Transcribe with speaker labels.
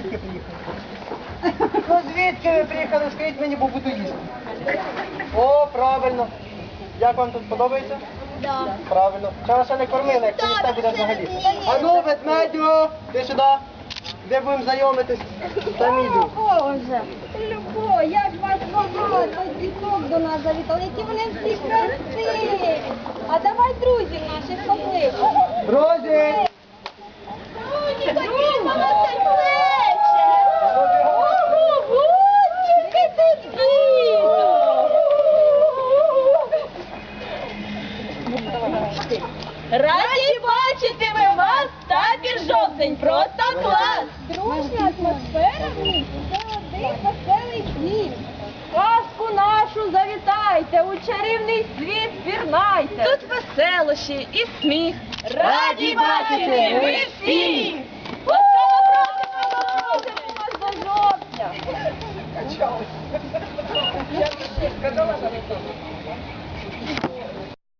Speaker 1: звідки приїхали? Ну звідки ви приїхали? Скажіть мені, бо буду їсти. О, правильно. Як вам тут подобається?
Speaker 2: Да.
Speaker 1: Правильно. Ще вас ще не кормили, якщо їсти буде взагалі. А ну, ведмедю, ти сюди. Де будемо знайомитись? Там іду.
Speaker 2: Боже, Любо, як вас багато діток до нас завітали, які вони всі красиві. А давай друзів наших покличемо.
Speaker 1: Друзі!
Speaker 2: Друзі, ходімо на це плече. Ого, скільки тут діток. Раді бачити ми вас, табір жовтень, просто клас! Дружня атмосфера в ній – це один веселий дім. Казку нашу завітайте, у чарівний світ пірнайте. Тут веселощі і сміх. Раді бачити ми всі! Ласкаво просимо вас до жовтня! Качалась.